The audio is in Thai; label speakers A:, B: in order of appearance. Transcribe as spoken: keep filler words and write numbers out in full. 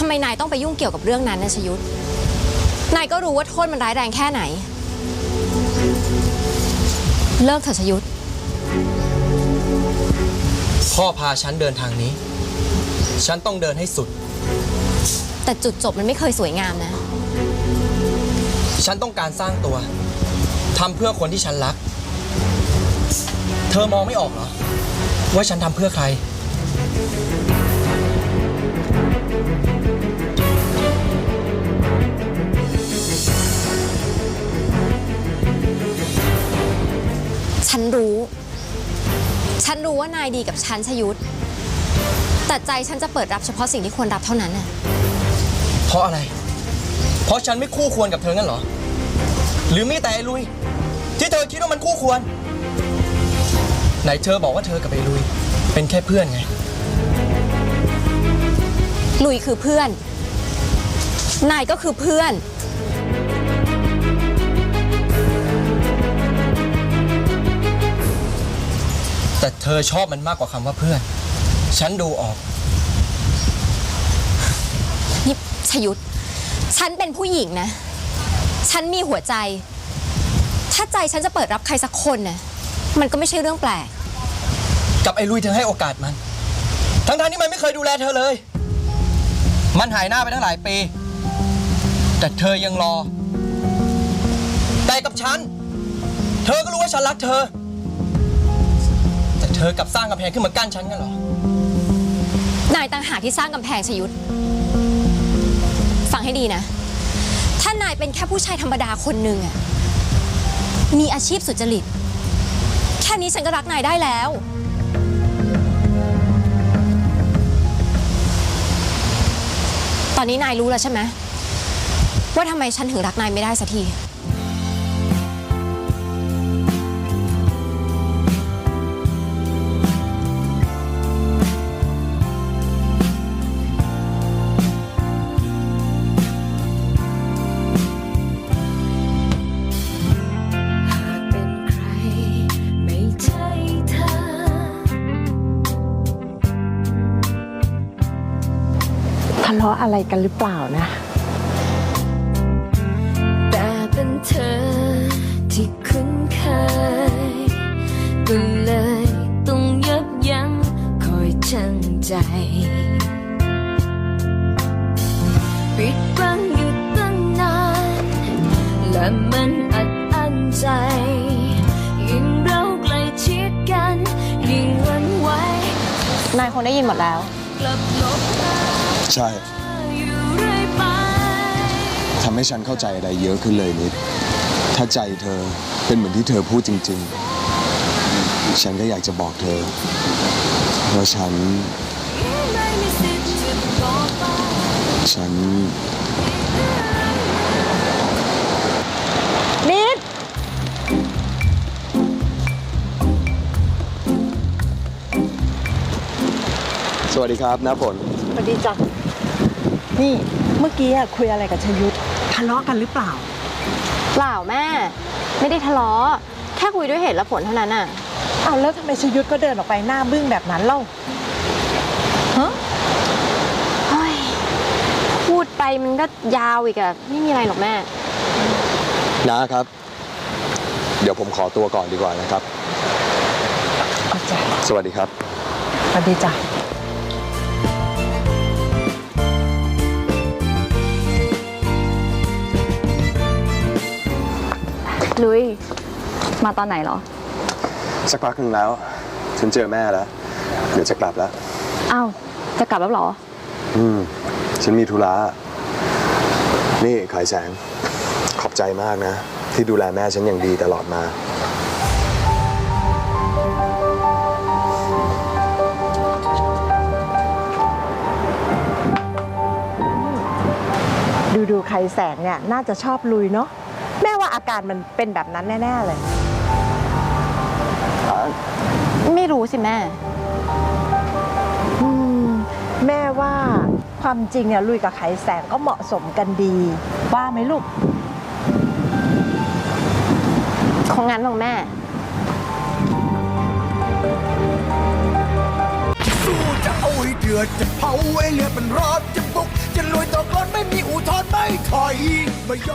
A: ำไมนายต้องไปยุ่งเกี่ยวกับเรื่องนั้นนะชยุทธนายก็รู้ว่าโทษมันร้ายแรงแค่ไหนเลิกเถอะชยุทธ
B: พ่อพาฉันเดินทางนี้ฉันต้องเดินให้สุด
A: แต่จุดจบมันไม่เคยสวยงามนะ
B: ฉันต้องการสร้างตัวทำเพื่อคนที่ฉันรักเธอมองไม่ออกเหรอว่าฉันทำเพื่อใคร
A: ฉันรู้ฉันรู้ว่านายดีกับฉันชยุทธแต่ใจฉันจะเปิดรับเฉพาะสิ่งที่ควรรับเท่านั้นน่ะ
B: เพราะอะไรเพราะฉันไม่คู่ควรกับเธองั้นเหรอหรือมีแต่ไอ้ลุยที่เธอคิดว่ามันคู่ควรไหนเธอบอกว่าเธอกับไอ้ลุยเป็นแค่เพื่อนไง
A: ลุยคือเพื่อนนายก็คือเพื่อน
B: แต่เธอชอบมันมากกว่าคำว่าเพื่อนฉันดูออก
A: นี่ชยุทธฉันเป็นผู้หญิงนะฉันมีหัวใจถ้าใจฉันจะเปิดรับใครสักคนน่ะมันก็ไม่ใช่เรื่องแปลก
B: กับไอ้ลุยเธอให้โอกาสมันทั้งๆที่มันไม่เคยดูแลเธอเลยมันหายหน้าไปตั้งหลายปีแต่เธอยังรอแต่กับฉันเธอก็รู้ว่าฉันรักเธอแต่เธอกลับสร้างกำแพงขึ้นมากั้นฉันกันเหรอน
A: ายต่างหากที่สร้างกำแพงชยุทธฟังให้ดีนะถ้านายเป็นแค่ผู้ชายธรรมดาคนหนึ่งอะมีอาชีพสุจริตแค่นี้ฉันก็รักนายได้แล้วตอนนี้นายรู้แล้วใช่ไหมว่าทำไมฉันถึงรักนายไม่ได้สักที
C: ทะเลาะอะไรกันหรือเปล่านะ
D: แต่เป็นเธอที่คุ้นเคยก็เลยต้องยับยั้งคอยชั่งใจปิดบังอยู่ตั้งนานและมันอัดอั้นใจยิ่งเราใกล้ชิดกันยิ่งหวั่นไหวน
A: ายคงได้ยินหมดแล้ว
D: กลับลบ
E: ใช่ทำให้ฉันเข้าใจอะไรเยอะขึ้นเลยนิดถ้าใจเธอเป็นเหมือนที่เธอพูดจริงๆฉันก็อยากจะบอกเธอว่าฉันฉัน
C: นิด
E: สวัสดีครับน้าฝน
C: สวัสดีจ้ะนี่เมื่อกี้คุยอะไรกับชยุทธทะเลาะกันหรือเปล่า
A: เปล่าแม่ไม่ได้ทะเลาะแค่คุยด้วยเหตุและผลเท่านั้นน่ะ
C: อ้าวแล้วทำไมชยุทธก็เดินออกไปหน้าบึ้งแบบนั้นเล่าฮะ
A: เฮ้ยพูดไปมันก็ยาวอีกอะไม่มีอะไรหรอกแม่
E: น้าครับเดี๋ยวผมขอตัวก่อนดีกว่านะครับ
C: เข้าใจ
E: สวัสดีครับ
C: สวัสดีจ้ะ
F: ลุยมาตอนไหนเหรอ
E: สักพักหนึ่งแล้วฉันเจอแม่แล้วเดี๋ยวจะกลับแล้ว
F: อ้าวจะกลับแล้วเหรอ
E: อืมฉันมีธุระนี่ขายแสงขอบใจมากนะที่ดูแลแม่ฉันอย่างดีตลอดมา
C: ดูดูใครแสงเนี่ยน่าจะชอบลุยเนาะแม่ว่าอาการมันเป็นแบบนั้นแน่ๆเลย
A: ไม่รู้สิแม่
C: แม่ว่าความจริงเนี่ยลุยกับไขแสงก็เหมาะสมกันดีว่าไหมลูก
A: คงงั้นหรอกแม่
G: สู้จะเอาให้เดือดจะเผาให้เลือดมันร้อนจะบุกจะลุยมาย